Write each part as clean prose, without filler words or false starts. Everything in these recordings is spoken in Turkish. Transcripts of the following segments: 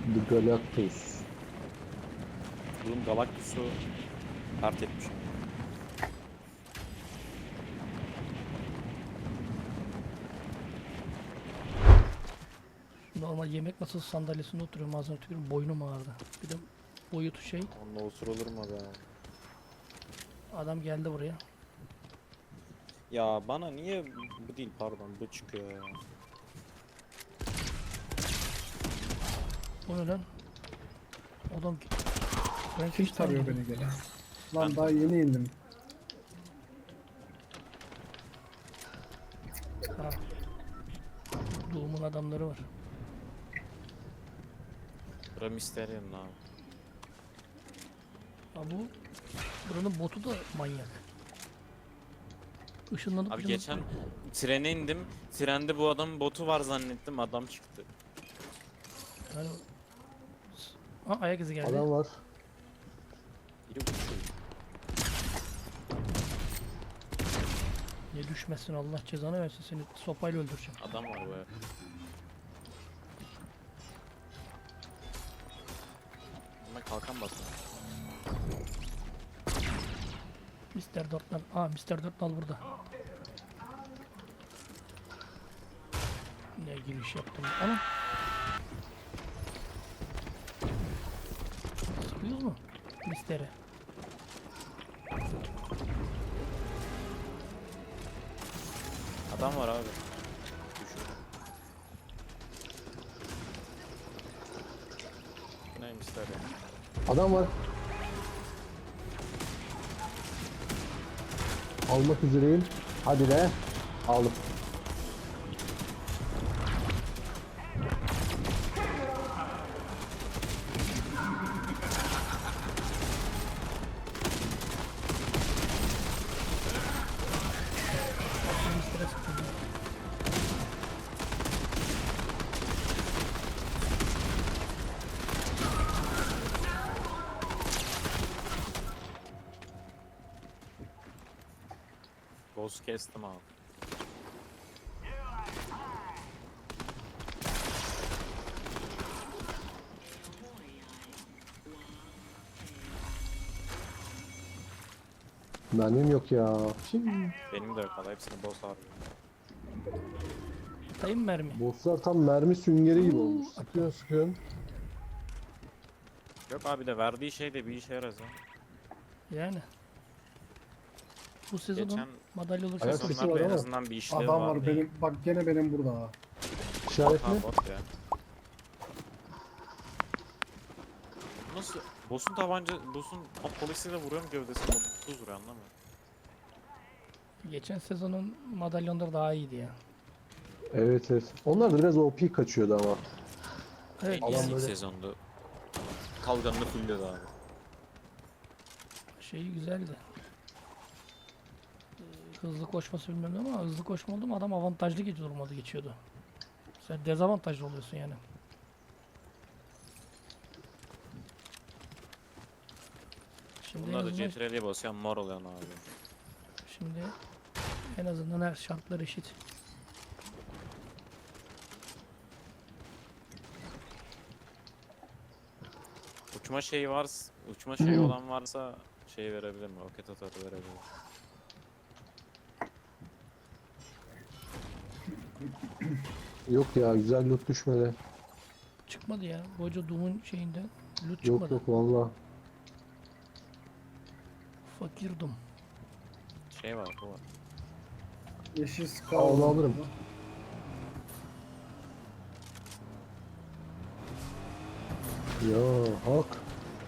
The Galactus. Oğlum Galactus'u kart etmişim. Normal yemek masası sandalyesinde oturuyorum, ağzına tükürüyorum, boynum ağrıdı. Bir de boyutu şey, Onunla osurulur mu be? adam geldi buraya. Ya bana niye bu değil pardon bu çıkıyor ya. O ne lan? Adam ben Hiç tarıyor beni gene. Lan Ben- daha yeni indim. Ha. Doğumun adamları var. Bura Mysterium abi. Ha bu buranın botu da manyak. Işınlanıp Abi ışınlanıp- geçen trene indim. Trende bu adamın botu var zannettim adam çıktı. Yani... Ha, ayak izi geldi. Adam var. Biri uçuyor. Niye düşmezsin, Allah cezanı versin, seni sopayla öldüreceğim. Adam var bu ev. Ama kalkan basıyor. Mr. Dörtnal. Aa, Mr. Dörtnal burada. Ne giriş yaptım. Ana. Sıkıyoruz mu? Mr. Adam var abi. Düşüyor. Neymiş ya? Adam var. Almak üzereyim. Hadi be. Aldım. Mr. sıktım. Boss kestim abi. Mermim yok ya. Şimdi Benim de yok valla hepsini boss abi. Atayım mermi. bosslar tam mermi süngeri gibi olmuş. Sıkıyorsun sıkıyorsun. Yok abi de verdiği şey de bir işe yarar ya. Yani. Bu sezonun Geçen madalya olursa Ayak sesi var sezonlarda en ama. azından bir işlevi Adam var vardı. benim. Bak gene benim burada ha. İşaret Ha mi? bot ya. Nasıl? Boss'un polisiyle vuruyorum gövdesine motorsuz vuruyor anlamıyorum. geçen sezonun madalyonları daha iyiydi ya. Evet evet. Onlar da biraz OP kaçıyordu ama. Evet, En Adam iyisi ilk böyle- sezondu. Kalganını fulledi abi. şeyi güzeldi. Hızlı koşması bilmem ne ama hızlı koşma oldu mu adam avantajlı durmadı geçiyordu. Sen dezavantajlı oluyorsun yani. Şimdi en Bunlar da azından, CTRL'ye basıyor mor oluyor abi. şimdi en azından her şartlar eşit. Uçma şeyi varsa, uçma şeyi olan varsa şey verebilir mi? Roket atarı verebilir. Yok ya güzel loot düşmedi. Çıkmadı ya. Boca Doom'un şeyinden loot Yok çıkmadı. yok valla. Fakir Doom. Şey var bu var. Yeşil ska. Al, alırım. Ya hak.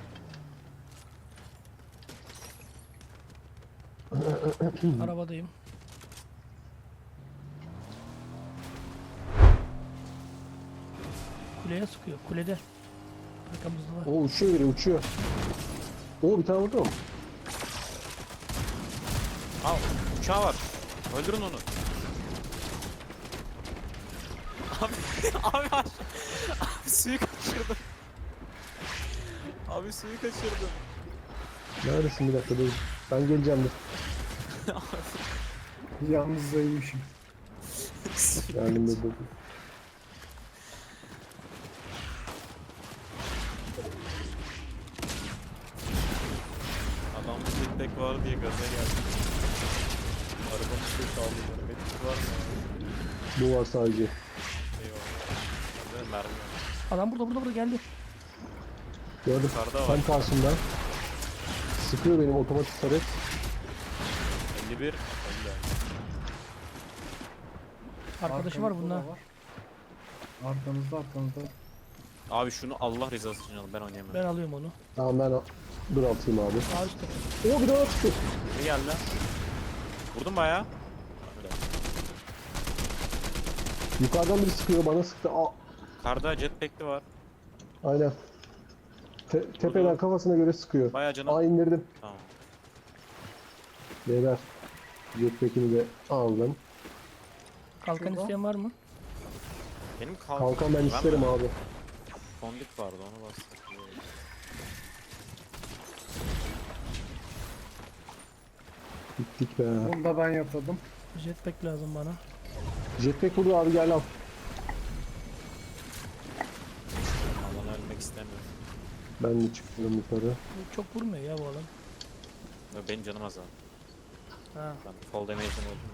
Arabadayım. Kuleye sıkıyor. Kulede. Arkamızda var. O uçuyor biri uçuyor. O bir tane vurdu mu? Al uçağı var. Öldürün onu. Abi abi abi suyu kaçırdım. Abi suyu kaçırdım. Neredesin bir dakika dur. Ben geleceğim dur. Yalnız zayıfmışım. Geldim dur dur. jetpack var diye gaza geldim. Arabamı sürekli aldım. Medkit var mı? Bu var sadece. Eyvallah. Bende mermi yok. Adam burada geldi. Gördüm. Yukarıda var. Tam karşımda. Sıkıyor benim otomatik taret. 51. Öldü. Arkadaşı var Arkamızda bunda. da var. Arkamızda. Abi şunu Allah rızası için alın, ben oynayamam. Ben alıyorum onu. Tamam ben dur atayım abi. Sağ üstte. Oo bir daha çıktı. Ne geldi? Vurdum bayağı. Öyle. Yukarıdan biri sıkıyor bana sıktı. Aa, Karda jetpack'li var. aynen. Tepeden kafasına göre sıkıyor. Bayağı canım. Aa indirdim. Tamam. Beyler. Jetpack'ini de aldım. Kalkan Şurada. isteyen var mı? Benim Kalkan ben isterim abi. Fondip vardı, onu bastık. Gittik be. Bunu da ben yatırdım. Jetpack lazım bana. Jetpack burada abi gel al. Alan ölmek istemiyorum. Ben de çıkıyorum yukarı. Bu çok vurmuyor ya bu adam. Yo, benim canım az abi. Ha. Ben fall damage'den öldüm.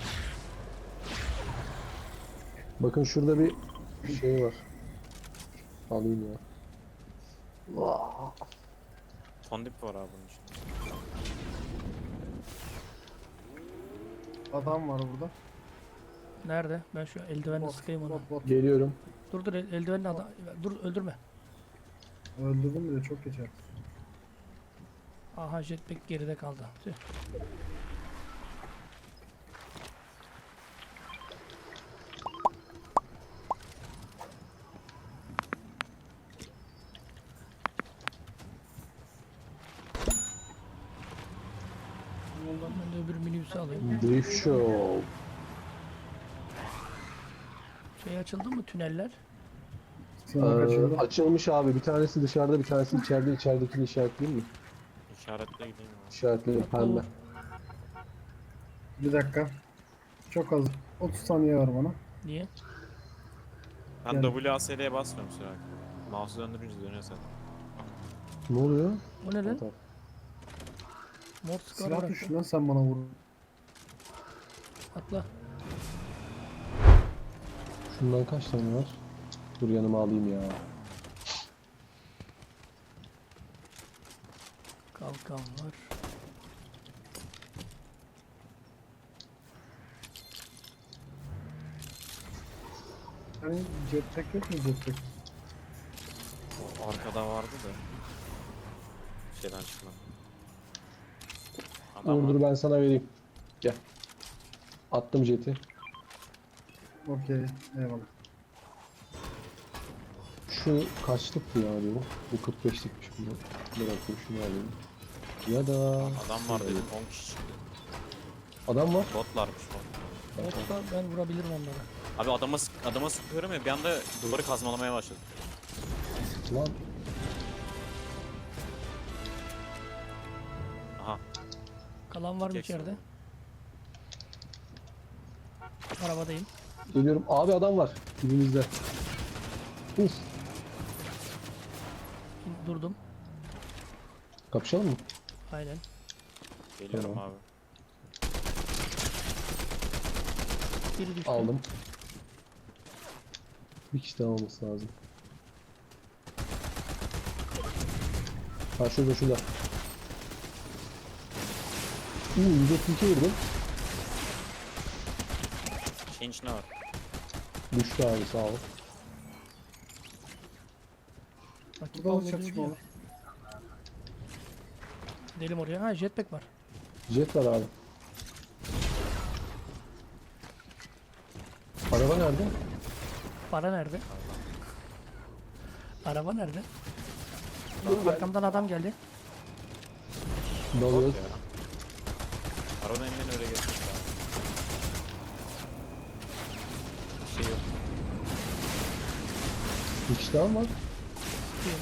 Bakın şurada bir şey var. Alayım ya. Vaa. Fondip var abi bunun için. Adam var burada. Nerede? Ben şu eldivenle Bot, sıkayım onu. bot. Geliyorum. Dur eldivenle adam. Dur öldürme. Öldürdüm bile çok geçer. Aha jetpack geride kaldı. Tüh. Ben de öbür minibüsü alayım. Drift Show. Şey açıldı mı tüneller? Sınır kaçırdı. Açılmış abi. Bir tanesi dışarıda, bir tanesi içeride. İçeridekini işaretleyeyim mi? İşaretle gideyim abi. İşaretledim pembe. Bir dakika. Çok az. 30 saniye var bana. Niye? Ben Yani- WASD'ye basmıyorum sürekli. Mouse'u döndürünce dönüyor zaten. Ne oluyor? O ne lan? Tamam. Mor skor Silah bıraktı. düştü lan sen bana vur. Atla. Şundan kaç tane var? Dur yanıma alayım ya. Kalkan var. Hani jetpack yok mu jetpack? O arkada vardı da. Şeyden çıkmadı. Adam Dur var. ben sana vereyim. Gel. Attım jeti. Okey. Eyvallah. Şu kaçlıktı ya bu? Bu 45'likmiş bu. Bir dakika şunu alayım. Ya da... Adam var dedim 10 kişi çıktı. Adam var. Botlarmış bot. Yoksa ben vurabilirim onları. Abi adama sıkıyorum ya bir anda duvarı kazmalamaya başladı. Lan Aha. Kalan var mı Jackson. içeride? Arabadayım. geliyorum. Abi adam var. Dibimizde. Uf. Durdum. Kapışalım mı? Aynen. Geliyorum Tamam. abi. Biri düştü. Aldım. Bir kişi daha olması lazım. Ha şurada şurada. 132 vurdum. Şeyin içinde var. Düştü abi sağ ol. Rakip Burada da almıyor çatışma diyor. var. Gidelim oraya. Ha jetpack var. Jet var abi. Araba nerede? Para nerede? Araba nerede? Arkamdan adam geldi. Dalıyoruz. Ya. Arabanın elinden öyle geçmiş abi. Bir şey yok. Bir kişi daha mı var? Diyorum.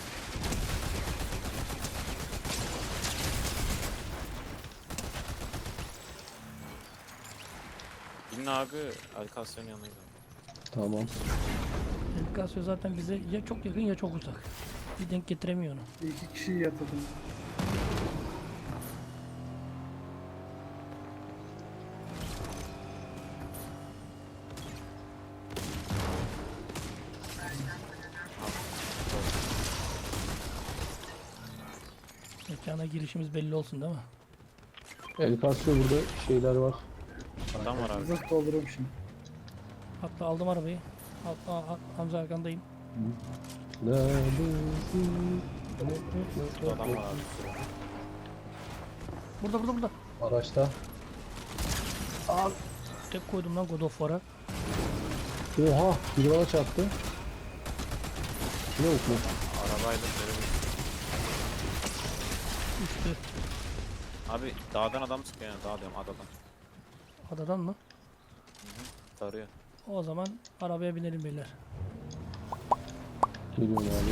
Bilin abi Alkasya'nın yanıydı. Tamam. Elkasyo zaten bize ya çok yakın ya çok uzak. Bir denk getiremiyor onu. İki kişiyi yatırdım. Mekana girişimiz belli olsun değil mi? El kasıyor, burada şeyler var. Adam var abi. Zırt dolduruyorum şimdi. Hatta aldım arabayı. Hamza arkandayım. Neredesin? Adam var abi. Burada. Araçta. Tek koydum lan God of War'a. Oha! Biri bana çarptı. Ne yok mu? Arabayla böyle Düştü. Abi dağdan adam sıkıyor yani, dağ diyorum, adadan. Adadan mı? Tarıyor. O zaman arabaya binelim beyler. Geliyorum abi.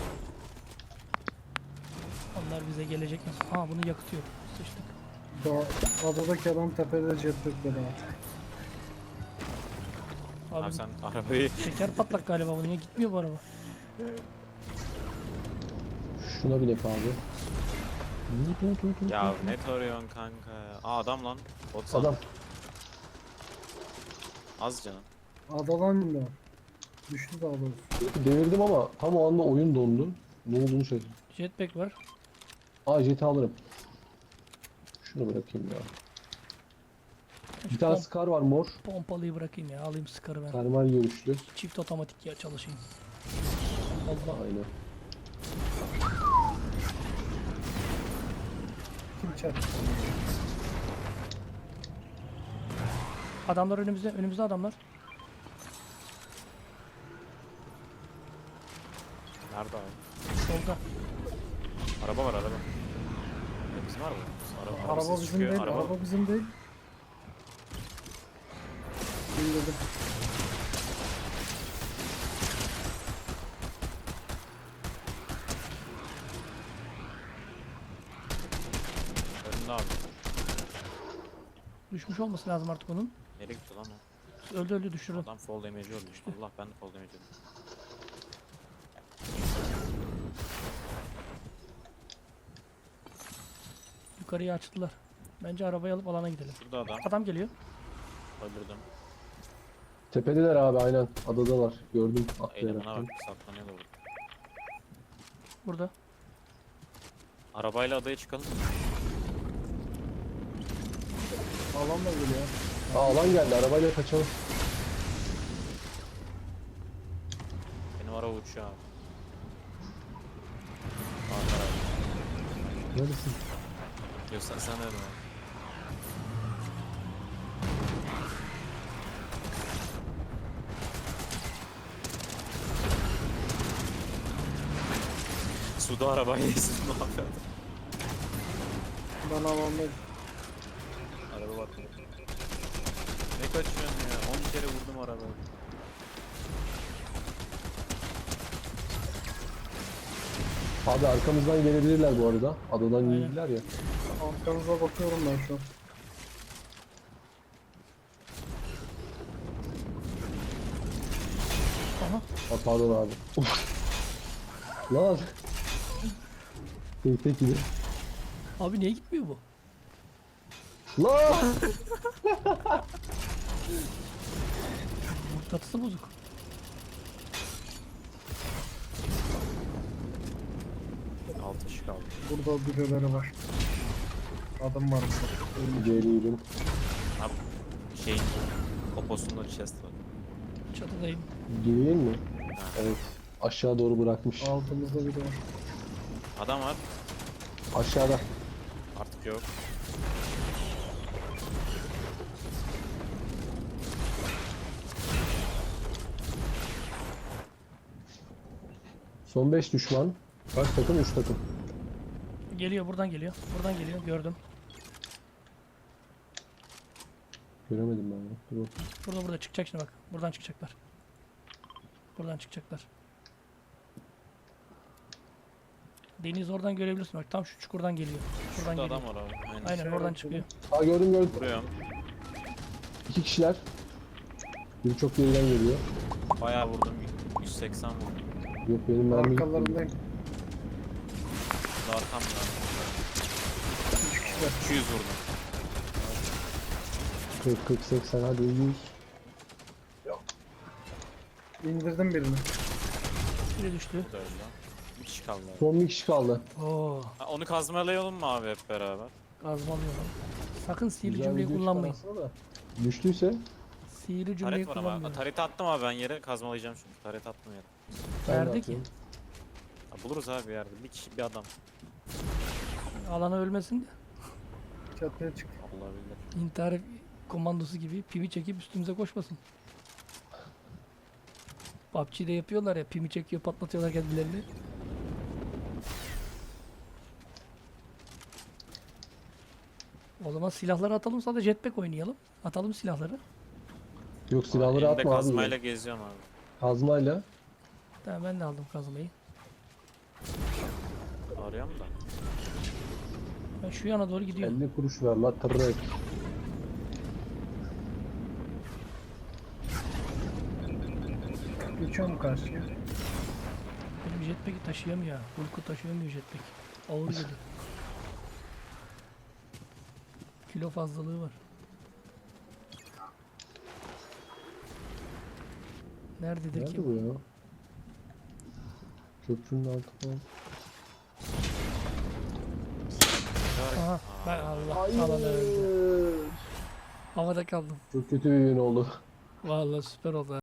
Onlar bize gelecek. Aa bunu yakıtıyor. Sıçtık. Adadaki adam tepede jetpack'le daha. Abi, Abi sen arabayı şeker patlak galiba bu. Niye gitmiyor bu araba? Şuna bilek abi. ya ne tarıyorsun kanka ya. Aa adam lan. Bot sandım. Adam. Az canım. Adadan indi. Düştü daha doğrusu. Devirdim ama tam o anda oyun dondu. Ne olduğunu şaşırdım. Jetpack var. Aa, jeti alırım. Şunu bırakayım ya. Bir tane Scar var mor. Pompalıyı bırakayım ya. Alayım sıkarı ben. Termal görüşlü. Çift otomatik ya çalışayım. Allah. Aynen. Kim çarptı? Adamlar önümüzde. Önümüzde adamlar. Nerede abi? Solda. Araba var, araba. Bizim araba. Araba, Araba ses bizim çıkıyor, değil. Araba bizim değil. İndirdim. Önünde abi. Düşmüş olması lazım artık onun. Nereye gitti lan o? Öldü düşürdüm. Adam fall damage olmuş. Allah, ben de fall damage oldum. Yukarıya açtılar. Bence arabayı alıp alana gidelim. Şurada adam. Adam geliyor. Öldürdüm. Tepedeler abi, aynen. Adadalar. Gördüm. Elemana Atlayarak. bak, saklanıyor da burada. Burada. Arabayla adaya çıkalım. Alan da geliyor. Aa, alan geldi. Arabayla kaçalım. Benim araba uçuyor abi. Ankara. Neredesin? Yoksa sen nerede abi? Suda arabayı ezdim, ne yapıyordun? Ben alandayım. Araba var. Ne kaçıyorsun ya? 10 kere vurdum arabayı. Abi arkamızdan gelebilirler bu arada. Adadan Aynen. girdiler ya. Arkanıza bakıyorum ben şu an. Aha. Aa, pardon abi. Lan. Tek gidiyor. Abi niye gitmiyor bu? Lan. Mıknatısı bozuk. Altı ışık aldım. Burada birileri var. Adım var burada. Geliyorum. Abi şeyin poposunda chest var. Çatıdayım. Geleyim mi? Evet. Aşağı doğru bırakmış. Altımızda biri var. Adam var. Aşağıda. Artık yok. Son 5 düşman. Kaç takım? 3 takım. Geliyor buradan geliyor. Buradan geliyor. Gördüm. Göremedim ben ya. Dur bakayım. Burada çıkacak şimdi bak. Buradan çıkacaklar. Buradan çıkacaklar. Deniz oradan görebilirsin bak. Tam şu çukurdan geliyor. Buradan Şurada geliyor. adam var abi. Aynen. Aynen oradan çıkıyor. Aa, gördüm. Vuruyorum. 2 kişiler. Biri çok geriden geliyor. Bayağı vurdum. 180 vurdum. Yok, benim mermi gitmedi. Arkalarındayım. Burada arkam var. 3 kişiler. 200 vurdum. 40, 40, 80, hadi 100. İndirdim birini. Biri düştü. Bu da öldü. Bir kişi kaldı abi. Son bir kişi kaldı. Oo, Ha, onu kazmalayalım mı abi hep beraber? kazmalıyorum. Sakın sihirli Güzel cümleyi video kullanmayın. çıkar aslında da. Düştüyse Sihirli cümleyi Taret var ama. kullanmayın. Taret attım abi ben yere kazmalayacağım şimdi. Taret attım yere. ben de Nerede ki? atıyorum. Ha, buluruz abi bir yerde. Bir kişi bir adam. Alana ölmesin de. Çatıya çık. Allah bilir. İntihar komandosu gibi pimi çekip üstümüze koşmasın. PUBG'de yapıyorlar ya, pimi çekiyor, patlatıyorlar kendilerini. O zaman silahları atalım, sadece jetpack oynayalım. Atalım silahları. Yok silahları Elimde atma abi. kazmayla geziyorum abi. Kazmayla. Tamam, ben de aldım kazmayı. Arıyorum da. Ben şu yana doğru gidiyorum. 50 kuruş ver la tırrek. Geçiyorum karşıya. Benim jetpack'i taşıyamıyor. Hulk'u taşıyamıyor jetpack. Ağır geliyor. Kilo fazlalığı var. Nerededir ki? Nerede bu ya? Köprünün altı falan. Aha, ben Allah alanı öldü. Havada kaldım. Çok kötü bir gün oldu. Vallahi süper oldu.